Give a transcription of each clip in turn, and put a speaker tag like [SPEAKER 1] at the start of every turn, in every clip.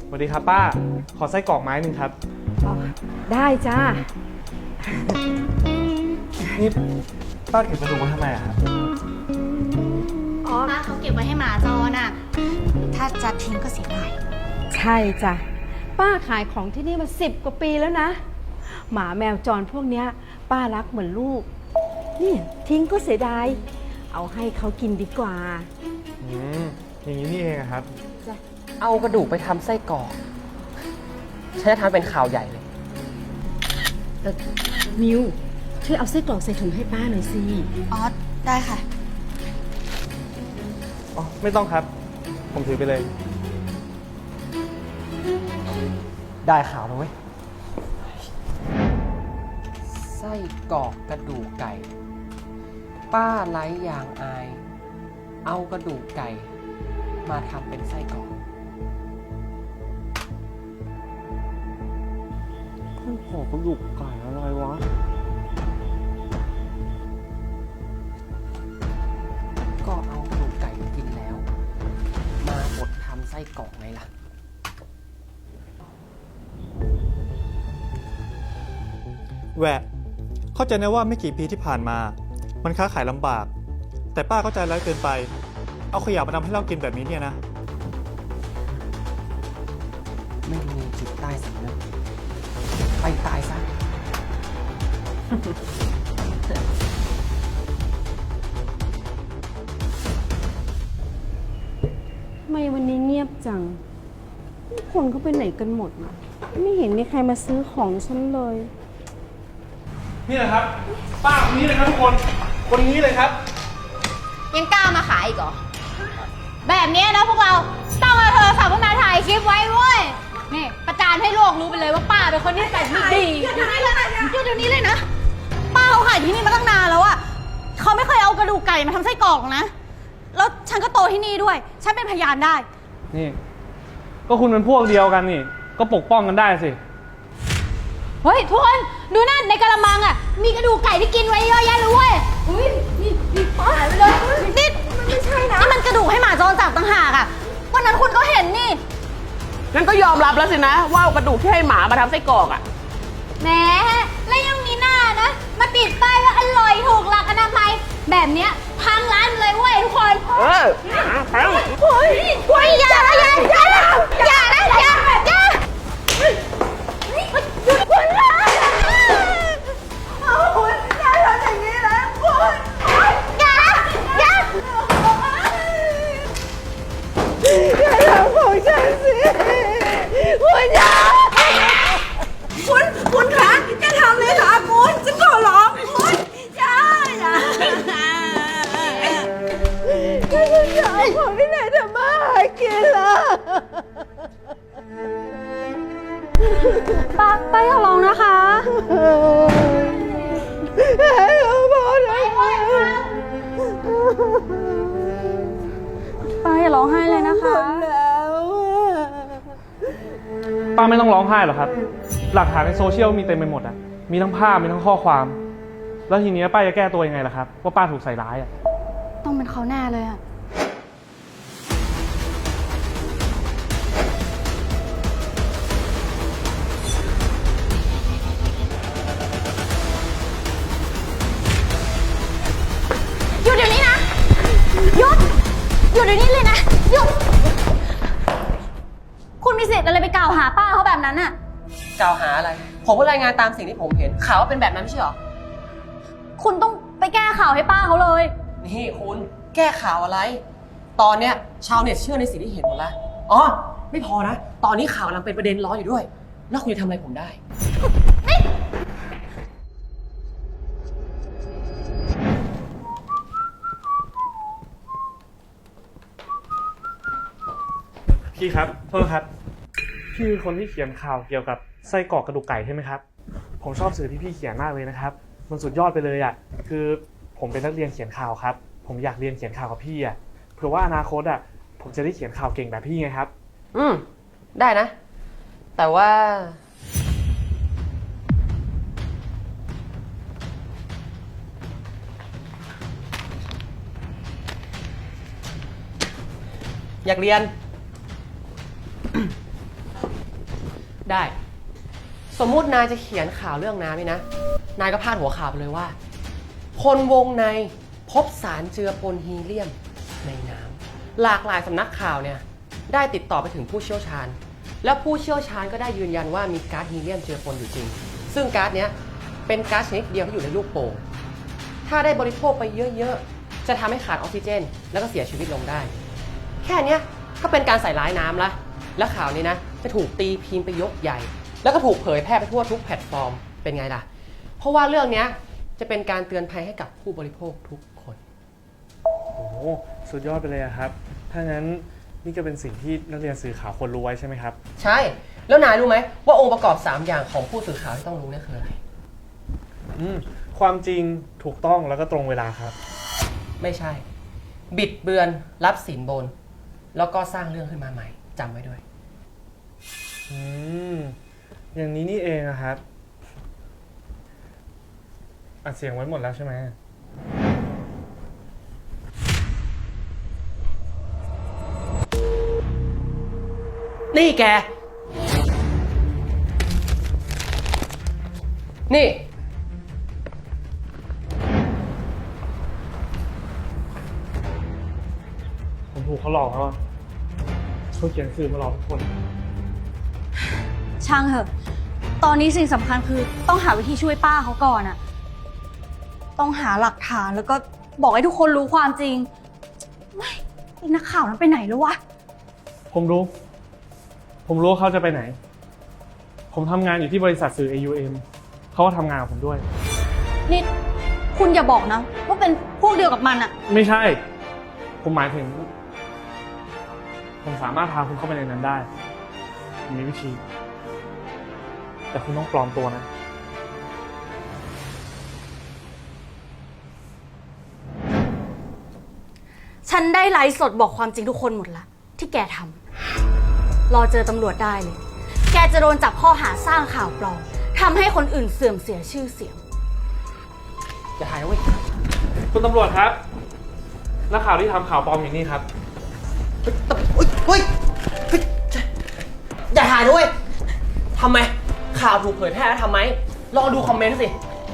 [SPEAKER 1] สวัสดีครับป้า ขอไส้กรอกไม้หนึ่งครับ
[SPEAKER 2] อ๋อได้จ้า
[SPEAKER 1] นี่ป้าเก็บกระดูกไว้ทำไมอะครับ
[SPEAKER 2] อ๋อ
[SPEAKER 3] ป้าเขาเก็บไว้ให้หมาจรน่ะ ถ้าจะทิ้งก็เสียดาย
[SPEAKER 2] ใช่จ้ะป้าขายของที่นี่มา10 กว่าปีแล้วนะ หมาแมวจรพวกเนี้ย ป้ารักเหมือนลูก นี่ทิ้งก็เสียดาย เอาให้เขากินดีกว่า
[SPEAKER 1] อย่างนี้นี่เองอะครับ
[SPEAKER 4] เอากระดูกไปทำไส้กรอกฉันจะทำเป็นข่าวใหญ่เลย
[SPEAKER 2] มิวช่วยเอาไส้กรอกใส่ถุงให้ป้าหน่อยสิ
[SPEAKER 3] อ๋อ ได้ค่ะ
[SPEAKER 1] อ๋อ ไม่ต้องครับ ผมถือไปเลย
[SPEAKER 4] ได้ข่าวแล้วเว้ย ไส้กรอกกระดูกไก่ ป้าไร้ยางอาย เอากระดูกไก่ มาทำเป็นไส้กรอก
[SPEAKER 1] ขอกระดูกไก่อะไรวะ
[SPEAKER 4] ก็เอากระดูกไก่กินแล้ว มาบดทำไส้กรอกไงล่ะ
[SPEAKER 5] แหวะเข้าใจนะว่าไม่กี่ปีที่ผ่านมา มันค้าขายลำบาก แต่ป้าเข้าใจร้ายเกินไป เอาขยะมาทำให้เรากินแบบนี้เนี่ยนะ
[SPEAKER 4] ไม่มีจิตใต้สำนึกไปตายซะ
[SPEAKER 2] ทำไมวันนี้เงียบจังทุกคนเขาไปไหนกันหมดอะไม่เห็นมีใครมาซื้อของฉันเลย
[SPEAKER 1] นี่แหละครับ ป้าคนนี้เลยครับทุกคน คนนี้เลยครับ
[SPEAKER 3] ยังกล้ามาขายอีกเหรอ แบบนี้นะพวกเราต้องเอาโทรศัพท์มาถ่ายคลิปไว้เว้ย นี่ประจานให้โลกรู้ไปเลยว่าป้าเป็นคนที่แต่ไม่ดีหยุดเดี๋ยวนี้เลยนะหยุดเดี๋ยวนี้เลยนะ ป้าเขาขายที่นี่มาตั้งนานแล้วอะเขาไม่เคยเอากระดูกไก่มาทำไส้กรอกนะ แล้วฉันก็โตที่นี่ด้วย ฉันเป็นพยานได้
[SPEAKER 1] นี่ ก็คุณเป็นพวกเดียวกันนี่ ก็ปกป้องกันได้สิ
[SPEAKER 3] เฮ้ยทุกคนดูนั่นในกระมังอ่ะมีกระดูกไก่ที่กินไว้เยอะแยะเลยเว้ยอุ้ยนี่ป้าหายไปเลยนี่มันไม่ใช่นะนี่มันกระดูกให้หมาจรจับต่างหากอ่ะวันนั้นคุณก็เห็นนี่
[SPEAKER 6] งั้นก็ยอมรับแล้วสินะว่าเอากระดูกที่ให้หมามาทำไส้กรอกอ่ะ
[SPEAKER 3] แหมแล้วยังมีหน้านะ มาติดป้ายว่าอร่อยถูกหลักอนามัยแบบเนี้ยพังร้านเลยเว้ยทุกคน
[SPEAKER 6] เออพัง
[SPEAKER 3] เฮ้ยอย่านะอย่านะอย่านะอย่าอย่าหยุดคุณนะคุณอย่าทำอย่างนี้นะคุณอย่าอย่าอย่าทำของฉันสิคุณอย่าคุณคะอย่าทำเลยค่ะคุณจะขอร้องคุณอย่าอย่าคุณอย่าเอาของที่ไหนทำมาหากินล่ะป้าอย่าร้องนะคะป้าอย่าร้องไห้เลยนะคะ
[SPEAKER 1] ป้าไม่ต้องร้องไห้หรอกครับ หลักฐานในโซเชียลมีเต็มไปหมดอะมีทั้งภาพ มีทั้งข้อความ แล้วทีนี้ป้าจะแก้ตัวยังไงล่ะครับ ว่าป้าถูกใส่ร้ายอะ
[SPEAKER 3] ต้องเป็นเขาแน่เลยอะหยุดเดี๋ยวนี้นะ หยุด หยุดเดี๋ยวนี้เลยนะ หยุด คุณมีสิทธิ์อะไรไปกล่าวหาป้าเขาแบบนั้นอะ
[SPEAKER 4] กล่าวหาอะไร ผมก็รายงานตามสิ่งที่ผมเห็น ข่าวว่าเป็นแบบนั้นไม่ใช่เหรอ
[SPEAKER 3] คุณต้องไปแก้ข่าวให้ป้าเขาเลย
[SPEAKER 4] นี่คุณแก้ข่าวอะไร ตอนเนี้ยชาวเน็ตเชื่อในสิ่งที่เห็นหมดแล้ว อ๋อ ไม่พอนะ ตอนนี้ข่าวกำลังเป็นประเด็นร้อนอยู่ด้วย แล้วคุณจะทำอะไรผมได้
[SPEAKER 1] พี่ครับ โทษครับ พี่คือคนที่เขียนข่าวเกี่ยวกับไส้กรอกกระดูกไก่ใช่ไหมครับ ผมชอบสื่อที่พี่เขียนมากเลยนะครับ มันสุดยอดไปเลยอ่ะ คือผมเป็นนักเรียนเขียนข่าวครับ ผมอยากเรียนเขียนข่าวกับพี่อ่ะ เผื่อว่าอนาคตอ่ะ ผมจะได้เขียนข่าวเก่งแบบพี่ไงครับ
[SPEAKER 4] ได้นะ แต่ว่า อยากเรียนได้ สมมุตินายจะเขียนข่าวเรื่องน้ำนี่นะ นายก็พาดหัวข่าวไปเลยว่า คนวงในพบสารเจือปนฮีเลียมในน้ำหลากหลายสำนักข่าวเนี่ยได้ติดต่อไปถึงผู้เชี่ยวชาญ แล้วผู้เชี่ยวชาญก็ได้ยืนยันว่ามีก๊าซฮีเลียมเจือปนอยู่จริง ซึ่งก๊าซเนี้ยเป็นก๊าซชนิดเดียวที่อยู่ในลูกโป่งถ้าได้บริโภคไปเยอะๆจะทำให้ขาดออกซิเจน แล้วก็เสียชีวิตลงได้ แค่เนี้ยก็เป็นการใส่ร้ายน้ำละและข่าวนี้นะจะถูกตีพิมพ์ไปยกใหญ่ แล้วก็ถูกเผยแพร่ไปทั่วทุกแพลตฟอร์มเป็นไงล่ะเพราะว่าเรื่องเนี้ยจะเป็นการเตือนภัยให้กับผู้บริโภคทุกคน
[SPEAKER 1] โอ้โหสุดยอดไปเลยอะครับ ถ้างั้นนี่ก็เป็นสิ่งที่นักเรียนสื่อข่าวควรรู้ไว้ใช่ไหมครับ
[SPEAKER 4] ใช่ แล้วนายรู้ไหมว่าองค์ประกอบ 3 อย่างของผู้สื่อข่าวที่ต้องรู้เนี่ยคืออะไร
[SPEAKER 1] ความจริงถูกต้องแล้วก็ตรงเวลาครับ
[SPEAKER 4] ไม่ใช่ บิดเบือนรับสินบน แล้วก็สร้างเรื่องขึ้นมาใหม่จำไว้ด้วย
[SPEAKER 1] อย่างนี้นี่เองอะครับอัดเสียงไว้หมดแล้วใช่ไหม
[SPEAKER 4] นี่แก นี่
[SPEAKER 1] ผมถูกเขาหลอกแล้วอะเขาเขียนสื่อมาหลอกทุกคน
[SPEAKER 3] ช่างเถอะ ตอนนี้สิ่งสำคัญคือต้องหาวิธีช่วยป้าเขาก่อนอะต้องหาหลักฐานแล้วก็บอกให้ทุกคนรู้ความจริงไม่ไอ้นักข่าวนั้นไปไหนแล้ววะ
[SPEAKER 1] ผมรู้ว่าเขาจะไปไหน ผมทำงานอยู่ที่บริษัทสื่อ AUM เขาก็ทำงานกับผมด้วย
[SPEAKER 3] นี่คุณอย่าบอกนะว่าเป็นพวกเดียวกับมันอะ
[SPEAKER 1] ไม่ใช่ ผมหมายถึง ผมสามารถพาคุณเข้าไปในนั้นได้ผมมีวิธี แต่คุณต้องปลอมตัวนะ
[SPEAKER 3] ฉันได้ไลฟ์สดบอกความจริงทุกคนหมดละที่แกทำรอเจอตำรวจได้เลย แกจะโดนจับข้อหาสร้างข่าวปลอมทำให้คนอื่นเสื่อมเสียชื่อเสียง
[SPEAKER 4] อย่าถ่ายนะเว้ย
[SPEAKER 1] คุณตำรวจครับนักข่าวที่ทำข่าวปลอมอย่างนี้ครับ
[SPEAKER 4] เฮ้ยอย่าถ่ายด้วยทำไม ข่าวถูกเผยแพร่แล้วทำไม ลองดูคอมเมนต์สิ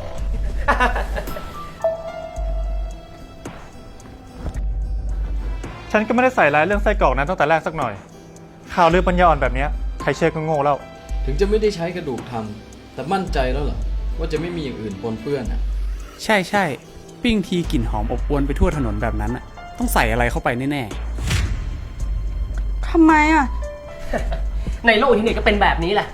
[SPEAKER 5] ฉันก็ไม่ได้ใส่ร้ายเรื่องไส้กรอกนั้นตั้งแต่แรกสักหน่อย ข่าวลือปัญญาอ่อนแบบเนี้ยใครเชื่อก็โง่แล้ว
[SPEAKER 7] ถึงจะไม่ได้ใช้กระดูกทำแต่มั่นใจแล้วเหรอว่าจะไม่มีอย่างอื่นปนเปื้อนอ่ะ
[SPEAKER 8] ใช่ใช่ปิ้งทีกลิ่นหอมอบอวนไปทั่วถนนแบบนั้นอ่ะต้องใส่อะไรเข้าไปแน่ๆ
[SPEAKER 3] ทำไมอ่ะ
[SPEAKER 4] ในโลกที่นี่ก็เป็นแบบนี้แหละ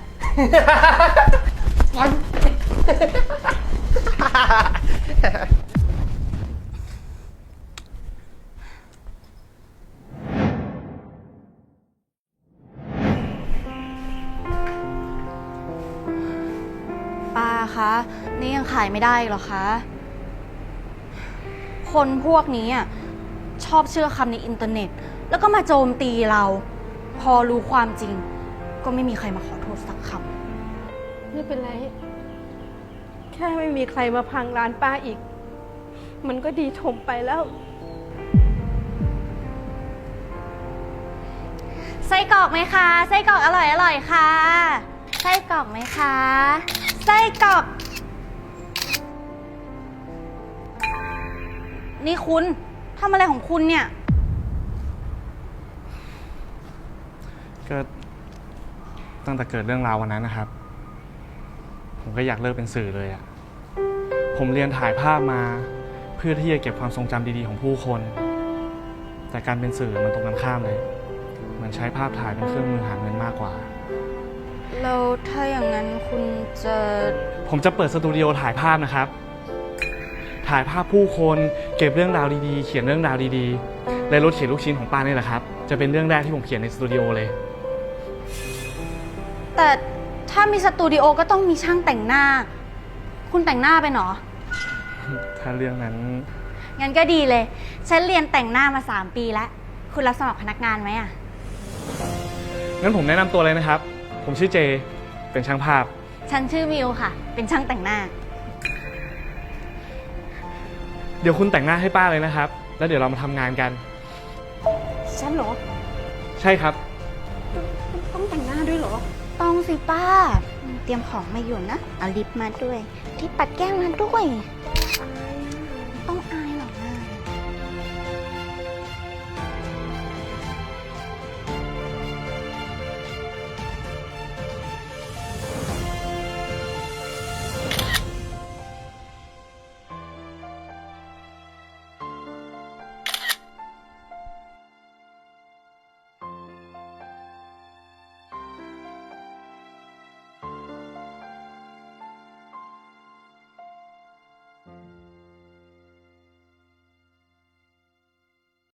[SPEAKER 3] ป้าคะ นี่ยังขายไม่ได้หรอคะ คนพวกนี้อ่ะชอบเชื่อคำในอินเทอร์เน็ต แล้วก็มาโจมตีเรา พอรู้ความจริง ก็ไม่มีใครมาขอโทษสักคำ
[SPEAKER 2] ไม่เป็นไร แค่ไม่มีใครมาพังร้านป้าอีก มันก็ดีถมไปแล้ว
[SPEAKER 3] ไส้กรอกไหมคะไส้กรอกอร่อยอร่อยค่ะไส้กรอกไหมคะไส้กรอก นี่คุณทำอะไรของคุณเนี่ย
[SPEAKER 1] ก็ตั้งแต่เกิดเรื่องราววันนั้นนะครับ ผมก็อยากเลิกเป็นสื่อเลยอะผมเรียนถ่ายภาพมาเพื่อที่จะเก็บความทรงจำดีๆของผู้คน แต่การเป็นสื่อมันตรงกันข้ามเลยเหมือนใช้ภาพถ่ายเป็นเครื่องมือหาเงินมากกว่า
[SPEAKER 3] แล้วถ้าอย่างนั้นคุณจะ
[SPEAKER 1] ผมจะเปิดสตูดิโอถ่ายภาพนะครับ ถ่ายภาพผู้คนเก็บเรื่องราวดีๆเขียนเรื่องราวดีๆและรถเขียนลูกชิ้นของป้านี่แหละครับจะเป็นเรื่องแรกที่ผมเขียนในสตูดิโอเลย
[SPEAKER 3] แต่ถ้ามีสตูดิโอก็ต้องมีช่างแต่งหน้า คุณแต่งหน้าเป็นเหรอ
[SPEAKER 1] ถ้าเรื่องนั้น
[SPEAKER 3] งั้นก็ดีเลย ฉันเรียนแต่งหน้ามา3 ปีแล้ว คุณรับสมัครพนักงานไหมอ่ะ
[SPEAKER 1] งั้นผมแนะนำตัวเลยนะครับ ผมชื่อเจเป็นช่างภาพ
[SPEAKER 3] ฉันชื่อมิวค่ะ เป็นช่างแต่งหน้า
[SPEAKER 1] เดี๋ยวคุณแต่งหน้าให้ป้าเลยนะครับ แล้วเดี๋ยวเรามาทำงานกัน
[SPEAKER 2] ฉันเหรอ
[SPEAKER 1] ใช่ครับ
[SPEAKER 2] ต้องแต่งหน้าด้วยเหรอ
[SPEAKER 9] ต้องสิป้า เตรียมของมาอยู่นะ เอาลิปมาด้วย ที่ปัดแก้มมาด้วย